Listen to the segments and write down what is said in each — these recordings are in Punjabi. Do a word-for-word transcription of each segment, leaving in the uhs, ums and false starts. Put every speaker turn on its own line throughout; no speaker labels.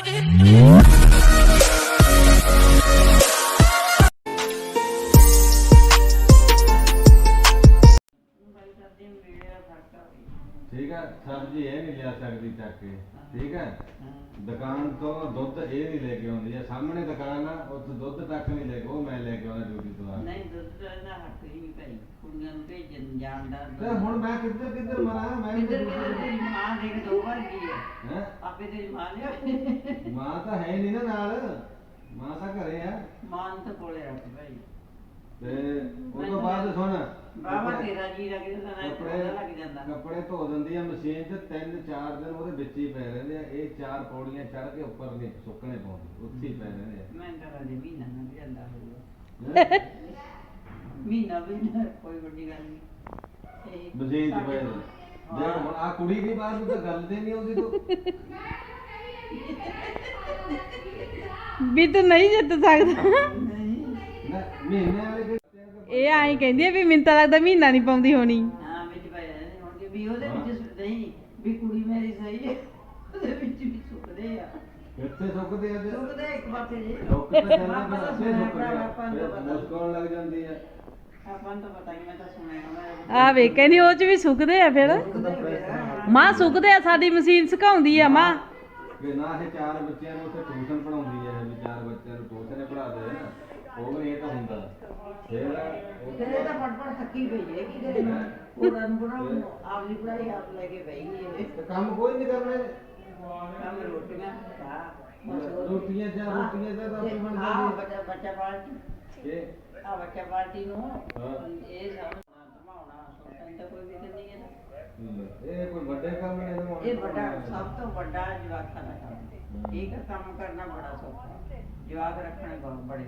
ठीक है सब्जी ये नहीं लिया सकती चक के ठीक है दुकान तो दुध ये नहीं लेके आती है सामने दुकान है उत्थे दुध तक नहीं लेके वो मैं लेके आना ड्यूटी तो आ
नहीं दुध ਦਾ ਹੱਕ ਹੀ ਨਹੀਂ ਭਾਈ ਕੁੜੀਆਂ ਨੂੰ ਭੇਜਣ ਜਾਣ ਦਾ
ਤੇ ਹੁਣ ਮੈਂ ਕਿੱਧਰ ਕਿੱਧਰ ਮਰਾਂ ਮੈਂ
ਕਿੱਧਰ ਕਿੱਧਰ ਤੇਰੀ ਮਾਂ ਦੇਖ ਦੋ ਵਾਰ ਕੀ ਹੈ
ਹੈ
ਆਪੇ ਤੇਰੀ ਮਾਂ ਨੇ
ਮਾਂ ਤਾਂ ਹੈ ਨਹੀਂ ਨਾ ਨਾਲ ਮਾਂ ਤਾਂ ਘਰੇ ਆ
ਮਾਂ ਨੂੰ ਤਾਂ ਕੋਲੇ ਰੱਖ ਭਾਈ
ਤੇ ਉਹ ਤੋਂ ਬਾਅਦ ਸੁਣ
ਬਾਬਾ ਤੇਰਾ ਜੀ ਲੱਗੇ ਤਾਂ ਨਾ
ਕੱਪੜੇ
ਲੱਗ ਜਾਂਦਾ
ਕੱਪੜੇ ਧੋ ਦਿੰਦੀ ਆ ਮਸ਼ੀਨ 'ਚ ਤਿੰਨ ਚਾਰ ਦਿਨ ਉਹਦੇ ਵਿੱਚ ਹੀ ਪੈ ਰਹਿੰਦੇ ਆ ਇਹ ਚਾਰ ਪੌੜੀਆਂ ਚੜ ਕੇ ਉੱਪਰ ਨਹੀਂ ਸੁੱਕਣੇ ਪਾਉਂਦੇ ਉੱਥੇ ਹੀ ਪੈ ਰਹਿੰਦੇ ਆ
ਮੈਂ ਤਾਂ ਰਾਜੇ ਮਹੀਨਾ ਨਾ ਜਾਂਦਾ ਹੋਊਗਾ ਮਹੀਨਾ ਵੀ ਨਾ ਕੋਈ ਵੱਡੀ ਗੱਲ ਨਹੀਂ
ਮਸ਼ੀਨ 'ਚ ਪੈ ਰਹਿੰਦੇ ਦੇਖ ਹੁਣ ਆ ਕੁੜੀ ਦੀ ਬਾਤ ਨੂੰ ਤਾਂ ਗੱਲ ਤੇ ਨਹੀਂ ਆਉਂਦੀ ਤੂੰ
ਵੀ ਤੂੰ ਨਹੀਂ ਜਿੱਤ ਸਕਦਾ
ਨਹੀਂ
ਨਾ ਮਹੀਨੇ ਵਾਲੇ
ਇਹ ਆਈ ਕਹਿੰਦੀ ਆ ਵੀ ਮੈਨੂੰ ਤਾਂ ਲੱਗਦਾ ਮਹੀਨਾ ਨਹੀਂ ਪਾਉਂਦੀ ਹੋਣੀ
ਹਾਂ ਵਿੱਚ ਪੈ ਜਾਂਦੇ ਹੁਣ ਕਿ ਵੀ ਉਹਦੇ ਵਿੱਚ ਨਹੀਂ ਵੀ ਕੁੜੀ ਮੇਰੀ ਸਹੀ ਹੈ ਉਹਦੇ ਵਿੱਚ ਵੀ ਸੁੱਕਦੇ ਆ
ਕਿੱਥੇ ਸੁੱਕਦੇ ਆ ਤੇ
ਸੁੱਕਦੇ ਇੱਕ ਪਾਸੇ ਜੀ
ਸੁੱਕ ਤਾਂ ਜਾਂਦਾ ਪਰ ਅੱਛੇ ਸੁੱਕਦੇ
ਆਪਾਂ ਨੂੰ
ਆ
ਪਤਾ
ਮੁਸਕਾਉਣ ਲੱਗ ਜਾਂਦੀ ਆ
ਆਪਾਂ ਨੂੰ ਤਾਂ ਪਤਾ ਨਹੀਂ ਮੈਂ ਤਾਂ ਸੁਣਿਆ ਹੋਣਾ
ਆ ਵੇ ਕਹਿੰਦੀ ਉਹ ਚ ਵੀ ਸੁੱਕਦੇ ਆ ਫਿਰ ਮਾਂ ਸੁੱਕਦੇ ਆ ਸਾਡੀ ਮਸ਼ੀਨ ਸੁਕਾਉਂਦੀ ਆ ਮਾਂ
ਕਿ ਨਾ ਇਹ ਚਾਰ ਬੱਚਿਆਂ ਨੂੰ ਉੱਥੇ ਟਿਊਸ਼ਨ ਪੜਾਉਂਦੀ ਹੈ ਵੀ ਚਾਰ ਬੱਚਿਆਂ ਨੂੰ ਟਿਊਸ਼ਨ ਪੜ੍ਹਾ ਦੇ ਨਾ ਉਹ ਵੀ ਇਹ ਤਾਂ ਹੁੰਦਾ ਫਿਰ
ਫਿਰ ਇਹ ਤਾਂ ਫੜ ਫੜ ਥੱਕੀ ਪਈ ਹੈ ਕੀ ਕਰੇ ਉਹਨਾਂ ਨੂੰ ਪੜਾਉਣ ਆਪਦੀ ਪੜਾਈ ਆਪ ਲੈ ਕੇ ਬਹਿ ਗਈ ਇਹ
ਤੇ ਕੰਮ ਕੋਈ ਨਹੀਂ ਕਰਨਾ
ਕੰਮ ਰੋਟੀਆਂ ਚਾਹ
ਰੋਟੀਆਂ ਜਾਂ ਰੋਟੀਆਂ ਦਾ ਤਾਂ ਬਣ
ਹਾਂ
ਜਾਂਦੀ
ਬੱਚਾ ਬੱਚਾ ਪਾਲਟੀ
ਇਹ
ਆ ਬੱਚਾ ਪਾਲਟੀ ਨੂੰ
ਹਾਂ।
ਇਹ ਸਭ ਧਮਾਉਣਾ ਸੋਚਣ ਤਾਂ ਕੋਈ ਵੀ ਨਹੀਂ ਹੈ
ਇਹ ਕੋਈ ਵੱਡੇ ਕੰਮ ਨੇ ਇਹਨੂੰ
ਇਹ ਵੱਡਾ ਸਭ ਤੋਂ ਵੱਡਾ ਜਵਾਕਾਂ ਦਾ ਕੰਮ ਹੈ ਇਹ ਕੰਮ ਕਰਨਾ ਬੜਾ ਸੌਖਾ ਹੈ ਜਵਾਕ ਰੱਖਣੇ ਬਹੁਤ ਬੜੇ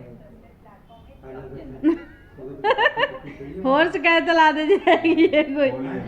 ਹੋਰ ਸ਼ਿਕਾਇਤ ਲਾ ਦੇ ਜੇ ਹੈਗੀ ਹੈ ਕੋਈ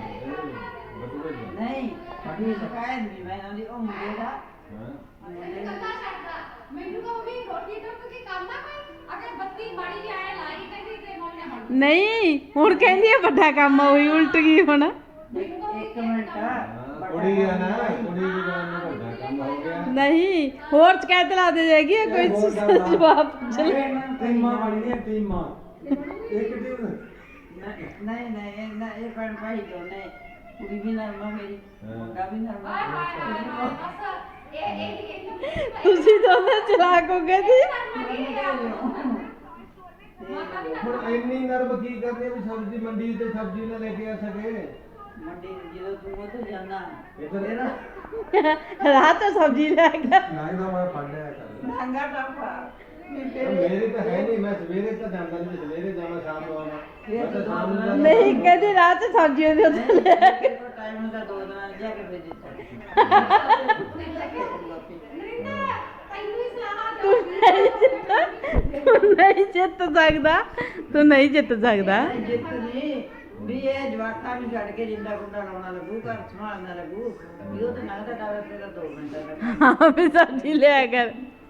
ਨਹੀਂ ਸਾਡੀ ਸ਼ਿਕਾਇਤ ਨਹੀਂ ਮੈਂ ਆਂਦੀ ਉਹ ਮੁੰਡੇ ਦਾ ਮੁੰਡੇ ਦਾ
ਮੈਨੂੰ ਕਹੋ ਵੀ ਰੋਟੀ ਟੁੱਕ ਕੇ ਕੰਮ ਨਾ ਕੋਈ ਅਗਰ ਬੱਤੀ ਮਾੜੀ ਜਿਹੀ ਆਏ ਲਾਈ ਕਹਿੰਦੀ ਤੇ ਮੰਮੀ ਨੇ ਹਟ
ਨਹੀਂ ਹੁਣ ਕਹਿੰਦੀ ਆ ਵੱਡਾ ਕੰਮ ਆ ਉਹੀ ਉਲਟ ਗਈ ਹੁਣ
ਇੱਕ ਮਿੰਟ
ਕੁੜੀ ਆ ਨਾ ਕੁੜੀ ਦੀ ਗੱਲ ਨੂੰ ਵੱਡਾ ਕੰਮ ਹੋ ਗਿਆ
ਨਹੀਂ ਹੋਰ ਸ਼ਿਕਾਇਤ ਲਾ ਦੇ ਜਾਏਗੀ ਇਹ ਕੋਈ ਜਵਾਬ ਪੁੱਛ ਲੈ
ਟੀਮਾਂ ਬਣੀਆਂ ਟੀਮਾਂ ਇੱਕ ਟੀਮ
ਨਹੀਂ ਨਹੀਂ ਨਾ ਇਹ ਭੈਣ ਭਾਈ ਦੋਨੇ ਕੁੜੀ ਵੀ ਨਰਮਾ ਮੇਰੀ ਮੁੰਡਾ ਵੀ ਨਰਮਾ
ਹਾਏ ਹਾਏ ਹਾਏ ਬਸ ਇਹ ਇਹ ਇਹ
ਤੁਸੀਂ ਦੋਨੇ ਚਲਾਕ ਹੋ ਗਏ ਜੀ
ਹੁਣ ਇੰਨੀ ਨਰਮ ਕੀ ਕਰਨੀ ਵੀ ਸਬਜ਼ੀ ਮੰਡੀ ਤੇ ਸਬਜ਼ੀ ਨਾ ਲੈ ਕੇ ਆ ਸਕੇ
ਮੰਡੀ ਜਦੋਂ ਤੂੰ ਉੱਥੇ ਜਾਣਾ
ਇੱਧਰ
ਰਾਤ ਤੋਂ ਸਬਜ਼ੀ ਲੈ ਗਿਆ
ਨਹੀਂ ਤਾਂ ਮੈਂ ਫੜ ਲਿਆ ਕਰ
ਮਹਿੰਗਾ ਟਾਪਾ
ਮੇਰੇ ਤਾਂ ਹੈ ਨਹੀਂ ਮੈਂ ਸਵੇਰੇ ਤਾਂ ਜਾਂਦਾ ਨਹੀਂ ਸਵੇਰੇ ਜਾਵਾਂ ਸ਼ਾਮ ਨੂੰ ਆਵਾਂ ਮੈਂ ਤਾਂ ਸ਼ਾਮ ਨੂੰ ਜਾਂਦਾ।
ਨਹੀਂ ਕਹਿੰਦੀ ਰਾਤ ਚ ਸਬਜ਼ੀ ਉਹਦੇ ਉੱਤੇ ਲੈ
ਟਾਈਮ ਹੁੰਦਾ ਦੋ ਦਿਨਾਂ ਜਾ ਕੇ ਭੇਜੀ
ਨਰਿੰਦਰ ਤੈਨੂੰ ਹੀ ਸਲਾਹ
ਤੂੰ ਨਹੀਂ ਜਿੱਤ ਤੂੰ ਨਹੀਂ ਜਿੱਤ ਸਕਦਾ ਤੂੰ ਨਹੀਂ ਜਿੱਤ ਸਕਦਾ
ਜਿੱਤ ਨਹੀਂ ਵੀ ਇਹ ਜਵਾਕਾਂ ਨੂੰ ਛੱਡ ਕੇ ਜਿੰਦਾ ਗੁੰਡਾ ਲਾਉਣਾ ਲੱਗੂ ਘਰ ਸੰਭਾਲਣਾ ਲੱਗੂ ਵੀ ਉਹ ਤਾਂ ਨਗਦਾ ਡਾਲਾ ਤੇਰਾ ਦੋ ਮਿੰਟਾਂ ਦਾ
ਹਾਂ ਵੀ ਸਬਜ਼ੀ ਲਿਆ ਕਰ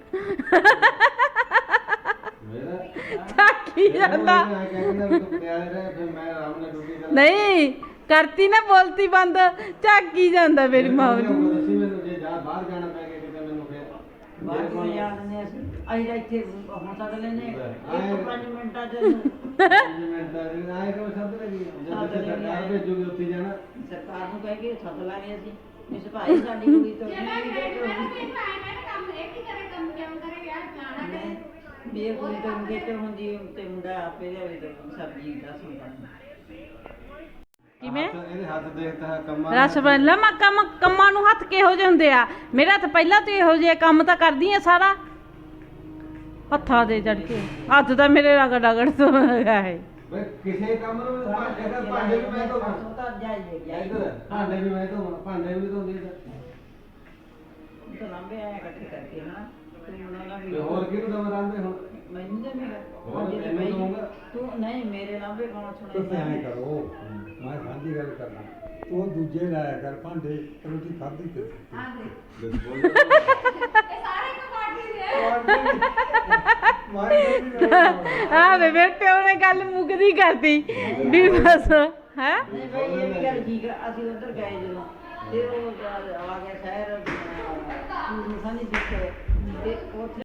ਮੇਰਾ
ਥੱਕੀ ਜਾਂਦਾ
ਮੈਂ ਕਹਿੰਦਾ ਵੀ ਤੂੰ ਪਟਿਆਲੇ ਰਹਿ ਫਿਰ ਮੈਂ ਆਰਾਮ ਨਾਲ ਡਿਊਟੀ ਕਰਾਂ
ਨਹੀਂ ਕਰਤੀ ਨਾ ਬੋਲਤੀ ਬੰਦ ਝਾਕੀ ਜਾਂਦਾ ਮੇਰੀ ਮਾਂ ਨੂੰ
ਦੱਸੀ ਮੈਨੂੰ ਜੇ ਜਾ ਬਾਹਰ ਜਾਣਾ ਪੈ ਗਿਆ ਕਿਤੇ ਮੈਨੂੰ ਫਿਰ
ਬਾਅਦ ਵਿੱਚ ਜਾਣਦੇ ਅਸੀਂ ਅਸੀਂ ਤਾਂ ਇੱਥੇ ਹੁਣ ਤੱਕ ਲੈਨੇ ਇੱਕ ਪੰਜ ਮਿੰਟਾਂ ਚ
ਮਿੰਟਾਂ ਦੀ ਆਏ ਕੋ ਸੱਦ ਲੱਗੀ ਜਦ ਤੱਕ ਸਰਕਾਰ ਭੇਜੂਗੀ ਉੱਥੇ ਜਾਣਾ
ਸਰਕਾਰ ਨੂੰ ਕਹਿ ਕੇ ਸੱਦ ਲਾਂਗੇ ਅਸੀਂ ਇਸ ਭਾਈ ਸਾਡੀ ਕੁੜੀ ਤੋਂ
ਜੇ ਮੈਂ ਕਹਿੰਦੀ ਮੈਂ ਵੀ ਮੈਂ ਕੰਮ ਇਹ ਕੀ ਕਰੇ ਕੰਮ ਕਿਉਂ ਕਰੇ ਯਾਰ ਫਲਾਣਾ ਕਰੇ
ਵੀ ਇਹ ਕੁੜੀ ਤੋਂ ਗੇਟ ਹੁੰਦੀ ਤੇ ਮੁੰਡਾ ਆਪੇ ਲਿਆਵੇ ਤੇ ਸਬਜ਼ੀ ਦਾ ਸੁਣਦਾ
ਕਿਵੇਂ
ਇਹਦੇ ਹੱਥ ਦੇਖਦਾ ਹੈ ਕੰਮਾਂ
ਰਸ ਬਣ ਮੈਂ ਕੰਮ ਕੰਮਾਂ ਨੂੰ ਹੱਥ ਕਿਹੋ ਜਿਹੇ ਹੁੰਦੇ ਆ ਮੇਰਾ ਹੱਥ ਪਹਿਲਾਂ ਤੋਂ ਇਹੋ ਜਿਹੇ ਕੰਮ ਤਾਂ ਕਰਦੀ ਆ ਸਾਰਾ ਹੱਥਾਂ ਦੇ ਚੜ ਕੇ ਹੱਥ ਤਾਂ ਮੇਰੇ ਰਗੜ ਰਗੜ ਤੋਂ ਹੈਗਾ ਹੈ
ਬਈ ਕਿਸੇ ਕੰਮ ਨੂੰ ਇਹਦਾ ਭਾਂਡੇ ਵੀ ਮੈਂ ਧੋਵਾਂ
ਤਾਂ ਜਾਈਏ ਜਾਈਏ
ਇੱਧਰ ਭਾਂਡੇ ਵੀ ਮੈਂ ਧੋਵਾਂ ਭਾਂਡੇ ਵੀ ਧੋਂਦੀ ਤਾਂ
ਤਾਂ ਲੰਬੇ ਆਏ ਇਕੱਠੇ ਕਰਕੇ ਨਾ ਤੂੰ ਉਹਨਾਂ ਦਾ ਵੀ
ਤੇ ਹੋਰ ਕਿਹਨੂੰ ਦਮ ਰਾਂਦੇ ਹੁਣ
ਮੈਨੂੰ ਤਾਂ ਮੇਰਾ
ਹੋਰ
ਜੇ
ਮੈਨੂੰ
ਮੈਂ
ਦਊਂਗਾ।
ਤੂੰ ਨਹੀਂ ਮੇਰੇ ਲੰਬੇ ਕੌਣ
ਤੁਸੀਂ ਐਂ
ਸੁਣੇਗਾ
ਕਰੋ ਮੈਂ ਸਾਂਝੀ ਗੱਲ ਕਰਨਾ ਤੂੰ ਦੂਜੇ ਲਾਇਆ ਕਰ ਭਾਂਡੇ ਰੋਟੀ ਖਾਧੀ ਤੇ
ਆ ਦੇ
ਬਿਲਕੁਲ
ਇਹ ਸਾਰੇ ਇੱਕ ਪਾਰਟੀ ਦੇ
ਆ ਵੇ ਮੇਰੇ ਪਿਓ ਨੇ ਗੱਲ ਮੁੱਕਦੀ ਕਰਤੀ ਵੀ ਬਸ ਹੈ
ਨਹੀਂ ਭਾਈ ਇਹ ਵੀ ਗੱਲ ਠੀਕ ਆ ਅਸੀਂ ਉੱਧਰ ਗਏ ਜਦੋਂ ਤੇ ਉਹ ਆ ਗਿਆ ਸ਼ਹਿਰ ਮਸਾਂ ਦੀ ਦਿੱਖ ਤੇ ਉੱਥੇ